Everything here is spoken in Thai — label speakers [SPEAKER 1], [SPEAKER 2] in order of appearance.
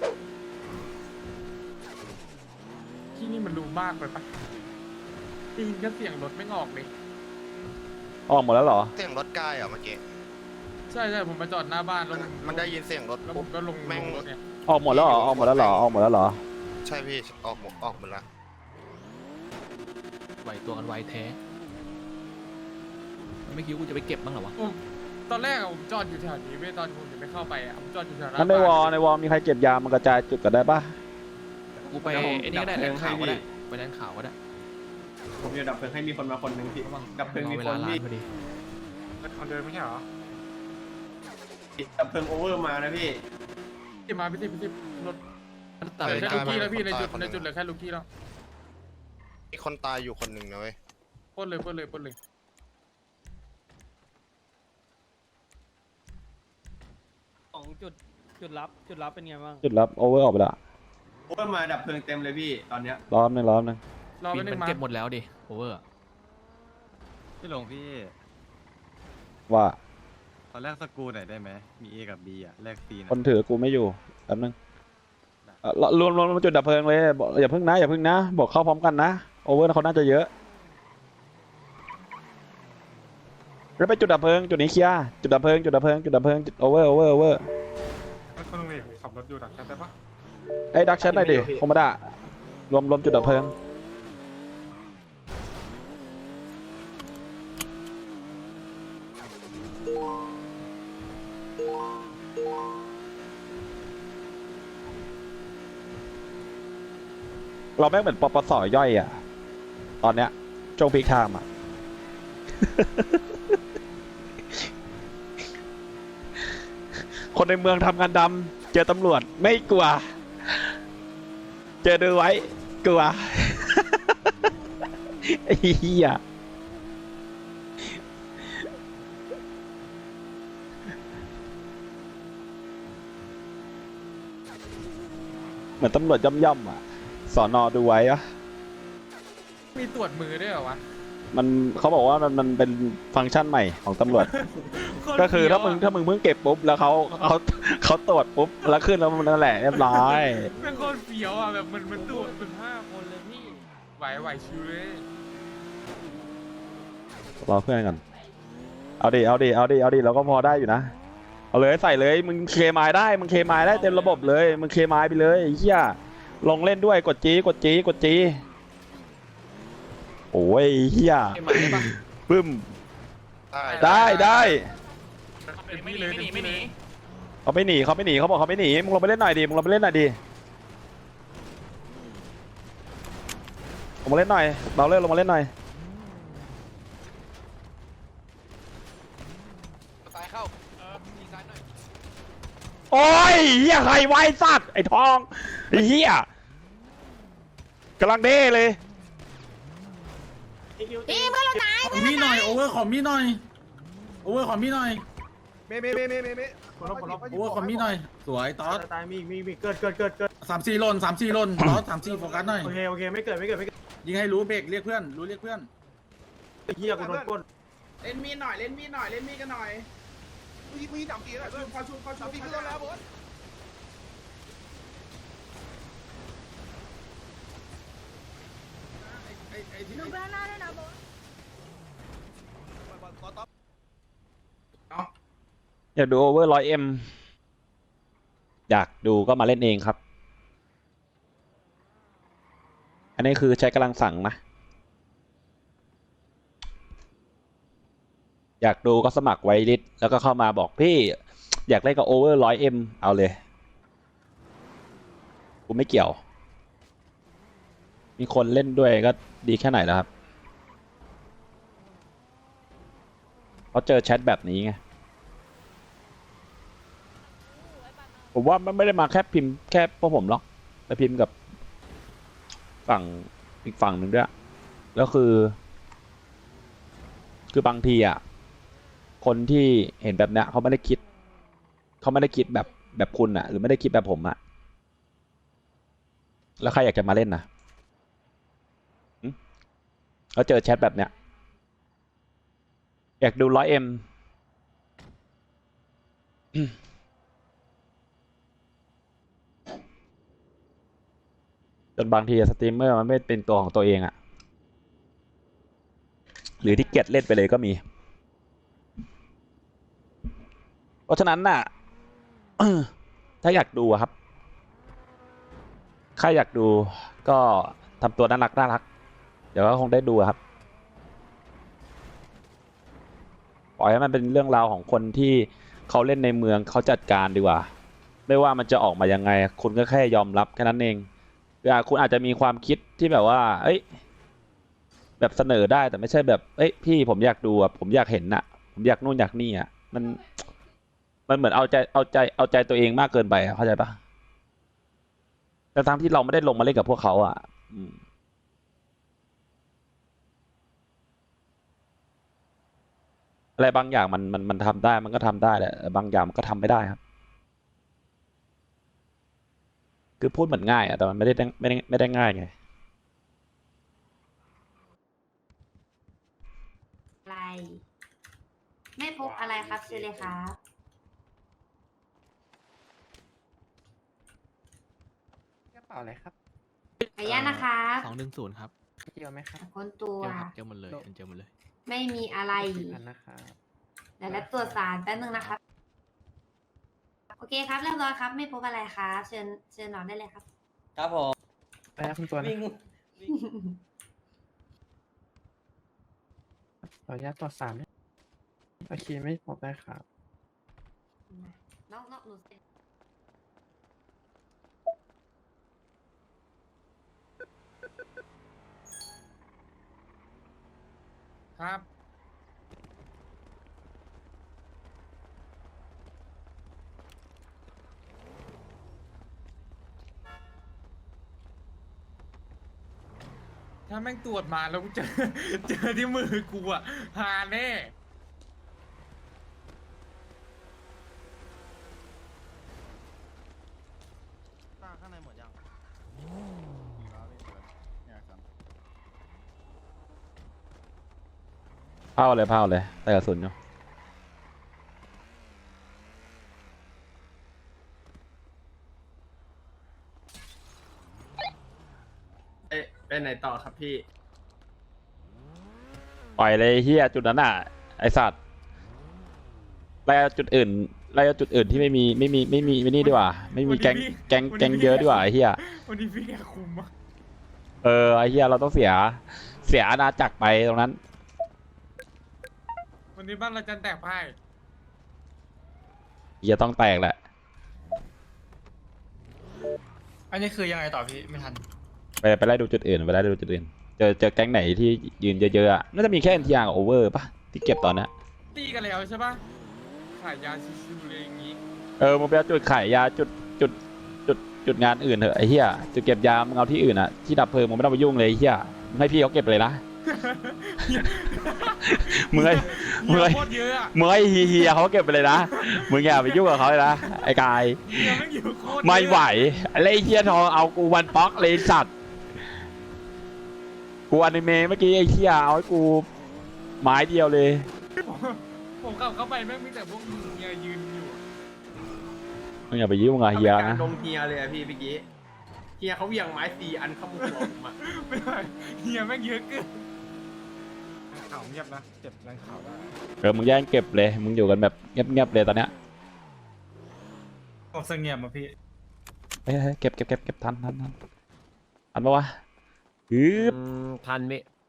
[SPEAKER 1] ที่นี่มันดูมากไปปะได้ยินแค่เสียงรถไม่ออกเลย
[SPEAKER 2] ออกหมดแล้วเหรอ
[SPEAKER 3] เสียงรถใกล้อ่ะเมื่อกี้
[SPEAKER 1] ใช่ผมมาจอดหน้าบ้านแล้ว
[SPEAKER 3] มันได้ยินเสียงรถ
[SPEAKER 1] แล้วผมก็ลง
[SPEAKER 3] แม่ง
[SPEAKER 1] รถเนี่ย
[SPEAKER 2] ออกหมดแล้วเหรอออกหมดแล้วเหรอออกหมดแล้วเหรอ
[SPEAKER 3] ใช่พี่ออกหมดละ
[SPEAKER 4] ไหวตัวกันไวแท้ไม่คิดว่ากูจะไปเก็บบ้างเหรอวะ
[SPEAKER 1] ตอนแรกอะผมจอดอยู่แถวนี้เว้ยตอนผมยังไม่เข้าไปอะผมจอดอยู่แถวหน้า
[SPEAKER 2] งั้นในวอ
[SPEAKER 1] บ้าน
[SPEAKER 2] ในวอมีใครเก็บยามันกระจายจุดกันได้ปะ
[SPEAKER 4] กูไปไอ้นี่ก็ได้แลนข่าวก็ได้ไปแลนข่าวก็ได้
[SPEAKER 5] ผมจะดับเพลิงให้มีคนมาคนหนึ่งพี่ดับเพลิงมี
[SPEAKER 4] เว
[SPEAKER 5] ค
[SPEAKER 4] ลาน ล้า
[SPEAKER 5] พี่
[SPEAKER 4] นพอดี
[SPEAKER 1] คนเดินไม่ใช่เหรอ
[SPEAKER 5] ดับเพลิงโอเวอร์มานะพี่
[SPEAKER 1] ที่มาพี่ทิพรถ
[SPEAKER 4] แต่
[SPEAKER 1] เหลือ
[SPEAKER 4] ไม่
[SPEAKER 1] แค่
[SPEAKER 4] ได้
[SPEAKER 1] ลูกกี้แล้วพี่ในจุดเหลือแค่ลูกกี้แล้ว
[SPEAKER 3] มีคนตายอยู่คนหนึ่งนะเว้ย
[SPEAKER 1] ปล้นเลย
[SPEAKER 6] ของจุดลับเป็นไงบ้าง
[SPEAKER 2] จุดรับโอเวอร์ออกไปละ
[SPEAKER 5] โอเวอร์มาดับเพลิงเต็มเลยพี่ตอนเนี้ย
[SPEAKER 2] รอบนึง
[SPEAKER 1] รอ
[SPEAKER 4] บิ
[SPEAKER 1] ไป
[SPEAKER 4] น
[SPEAKER 1] หนึ่
[SPEAKER 4] มัน
[SPEAKER 1] งมา
[SPEAKER 4] เก็บหมดแล้วดิโอเวอร์
[SPEAKER 7] พี่หลงพี่
[SPEAKER 2] ว่า
[SPEAKER 7] ขอแลกสกรูหน่อยได้ไหมมี A กับ B อ่ะแลก C หน่
[SPEAKER 2] ค
[SPEAKER 7] อน ย
[SPEAKER 2] ถือกูไม่อยู่แป๊บนึงรวมจุดดับเพลิงเลยบอกอย่าเพิ่งนะบอกเข้าพร้อมกันนะโอเวอร์เขาน่าจะเยอะแล้วไปจุดดับเพลิงจุดนี้เคลียร์จุดดับเพลิงโอเวอร์
[SPEAKER 1] คนนึงเลยขับรถอยู่ดักแคทได้ปะ
[SPEAKER 2] ไอ้ดักแชทหน่อยดิคอมมานด์รวมจุดดับเพลิงเราแม่งเหมือนปปสย่อยอ่ะตอนเนี้ยช่วงพีคไทม์อ่ะ คนในเมืองทำงานดำเจอตำรวจไม่กลัว เจอดูไว้กลัว ไอ้เหี้ยเหมือนตำรวจย่ำๆอ่ะสอนอดูไว้อะ
[SPEAKER 1] มีตรวจมือด้วยเหรอวะ
[SPEAKER 2] มันเขาบอกว่ามันเป็นฟังก์ชันใหม่ของตำรวจ ก็คือถ้ามึงเพิ่งเก็บปุ๊บแล้วเขาตรวจปุ๊บแล้วขึ้นแล้วมันนั่นแหละเรียบร้อย
[SPEAKER 1] เป็นคนเฟี้ยวอ่ะแบบมันตรวจ
[SPEAKER 6] 5 คนเลยพี่
[SPEAKER 1] ไหวชิวเลย
[SPEAKER 2] รอเพื่อนก่อนเอาดิเราก็พอได้อยู่นะเอาเลยใส่เลยมึงเคมายได้เต็มระบบเลยมึงเคมายไปเลยไอ้เหี้ยลงเล่นด้วยกดจีโอ้ยเหี้ย
[SPEAKER 4] เก็บมาได้ปะ
[SPEAKER 2] ปึ้ม
[SPEAKER 3] ได้
[SPEAKER 2] ได้
[SPEAKER 1] ไม่หนี
[SPEAKER 2] เขาไม่หนีเขาบอกเขาไม่หนีมึงลงไปเล่นหน่อยดิลงมาเล่นหน่อยเราเล่นลงมาเล่นหน่อย
[SPEAKER 3] ตายเข้า
[SPEAKER 2] โอ้ยเหี้ยใครไว้สัตว์ไอ้ทองไอ้เหี้ยกำลังเด้เลย
[SPEAKER 8] ขอมีหน่อยโอเวอร์ขอมีหน่อยโอเวอร์ขอมีหน่อย
[SPEAKER 5] เม
[SPEAKER 8] โอเวอร์ขอมีหน่อยสวยตอส
[SPEAKER 5] ตายมีเกิด
[SPEAKER 8] 3-4 ล่นตอส3-4โฟกัสหน่อย
[SPEAKER 5] โอเคไม่เกิด
[SPEAKER 8] ยิงให้รู้เบรกเรียกเพื่อน
[SPEAKER 5] เฮียกูโดนปล้น
[SPEAKER 8] เล่นมีดกันหน่อยมีดับตีแล้วพอชุบขึ้นแล้วบอสไอ้ที่
[SPEAKER 9] ดูเบื้องหน้าด้วยนะโบ
[SPEAKER 2] อยากดูโอเวอร์100M อยากดูก็มาเล่นเองครับ อันนี้คือใช้กำลังสั่งนะ อยากดูก็สมัครไวลิสแล้วก็เข้ามาบอกพี่อยากเล่นกับโอเวอร์100M เอาเลย กูไม่เกี่ยว มีคนเล่นด้วยก็ดีแค่ไหนแล้วครับเขาเจอแชทแบบนี้ไง ผมว่ามันไม่ได้มาแค่พิมพ์แค่พวกผมหรอกไปพิมพ์กับฝั่งอีกฝั่งหนึ่งด้วยแล้วคือบางทีอ่ะคนที่เห็นแบบเนี้ยเขาไม่ได้คิดแบบคุณอ่ะหรือไม่ได้คิดแบบผมอ่ะแล้วใครอยากจะมาเล่นนะแล้วเจอแชทแบบเนี้ยอยากดู100M จนบางทีสตรีมเมอร์มันไม่เป็นตัวของตัวเองอะหรือที่เกียจเล่นไปเลยก็มี เพราะฉะนั้นน่ะ ถ้าอยากดูอะครับใครอยากดูก็ทำตัวน่ารักเดี๋ยวก็คงได้ดูอะครับปล่อยให้มันเป็นเรื่องราวของคนที่เขาเล่นในเมืองเขาจัดการดีกว่าไม่ว่ามันจะออกมายังไงคุณก็แค่ยอมรับแค่นั้นเองคุณอาจจะมีความคิดที่แบบว่าเอ้ยแบบเสนอได้แต่ไม่ใช่แบบเอ้ยพี่ผมอยากดูอะผมอยากเห็นอะผมอยากนู่นอยากนี่อะมันเหมือนเอาใจตัวเองมากเกินไปอะเข้าใจปะแต่ทั้งที่เราไม่ได้ลงมาเล่นกับพวกเขาอะอะไรบางอย่างมันทำได้มันก็ทำได้แหละบางอย่างมันก็ทำไม่ได้ครับคือพูดเหมือนง่ายอะแต่มันไม่ได้ง่ายไง
[SPEAKER 9] อะไร ไม่พบอะไรครับเชิญเลยครับ
[SPEAKER 5] กระเป๋าอะไรครับ
[SPEAKER 9] ขออนุญาตนะคะ
[SPEAKER 4] 210ครับ
[SPEAKER 5] เกี่ยวไหมครับ
[SPEAKER 9] คนตัว
[SPEAKER 4] เจอครับเจอหมดเลยเจอหมดเลย
[SPEAKER 9] ไม่มีอะไร
[SPEAKER 5] อันนะครับ
[SPEAKER 9] เดี๋ยวรับตรวจสารแป๊บนึงนะครับ โอเคครับเรียบร้อยครับ ไม่พบอะไรครับเชิญนอนได้เลยครับ
[SPEAKER 6] ครับผม
[SPEAKER 5] ไปแล้วคุณตัวนะ
[SPEAKER 6] วิ่ง
[SPEAKER 5] ขออนุญาตตรวจสารด้วยโอเคไม่พบได้ครับ
[SPEAKER 9] น้องหนูเซ็น
[SPEAKER 1] ครับถ้าแม่งตรวจมาแล้วกูเจอที่มือกูอะหาแน่
[SPEAKER 7] ข้างในหมดยัง
[SPEAKER 2] เผาเลยแต่กระสุนอยู่
[SPEAKER 5] ไปไหนต่อครับพี่
[SPEAKER 2] ปล่อยเลยเฮียจุดนั้นอ่ะไอสัตว์ไล่จุดอื่นที่ไม่มีไม่นี่ดีกว่าไม่มีแก๊งเยอะดีกว่าไอเฮีย
[SPEAKER 1] วันนี้พี่แกคุมอะ
[SPEAKER 2] ไอเฮียเราต้องเสียอาณาจักรไปตรงนั้น
[SPEAKER 1] วันนี้บ้านเราจะแตกพ่าย
[SPEAKER 2] เฮียต้องแตกแหละ
[SPEAKER 6] อันนี้คือยังไงต่อพี่ไม่ทัน
[SPEAKER 2] ไปไล่ดูจุดอื่นเจอแก๊งไหนที่ยืนเยอะๆอะน่าจะมีแค่ NTR กับ Over ป่ะที่เก็บตอนนี้
[SPEAKER 1] ตีกันแล้วใช่ปะขายยาชิวๆเลยอย่างงี้
[SPEAKER 2] มึงไปเอาจุดขายยาจุดงานอื่นเถอะไอ้เหี้ยจุดเก็บยามึงเอาที่อื่นอ่ะที่ดับเพลิงมึงไม่ต้องไปยุ่งเลยไอ้เหี้ยมึงให้พี่เขาเก็บเลยนะ มึงให้
[SPEAKER 1] เหี้ยโคตรเยอะอะ
[SPEAKER 2] มึงให้เฮียเขาเก็บไปเลยนะมึงอย่าไปยุ่งกับเขาเลยนะไอ้กาย
[SPEAKER 1] เหี้ยแม่งอยู่โคตรเยอะ
[SPEAKER 2] ไม่ไหวอะไรไอ้เฮียทองเอากูวันป๊อกเลยสัตว์กูอนิเมะเมื่อกี้ไอ้เฮียเอาให้กูไม้เดียวเลย
[SPEAKER 1] ผมกลับเข้าไปแม่งมีแต่พวกเฮียยืนอยู่
[SPEAKER 2] มึงอย่าไปยุ่งกับเฮีย
[SPEAKER 5] การ
[SPEAKER 2] นะ
[SPEAKER 5] ลงเฮียเลยอะพี่เมื่อกี้เฮียเขาเหวี่ยงไม้4 อันเข้ามุมหัวผมอะ
[SPEAKER 1] ไม่ไหวเฮียแม่งเยอะเกิน
[SPEAKER 7] ข่าวเงียบนะ เก็บแรงข่าวได้
[SPEAKER 2] มึงแย่งเก็บเลยมึงอยู่กันแบบเงียบๆเลยตอนเนี้ย
[SPEAKER 6] ผมเสงี่ยมอ่ะพี่
[SPEAKER 2] เฮ้ยเก็บทันปะวะฮึบ
[SPEAKER 10] ทันไหม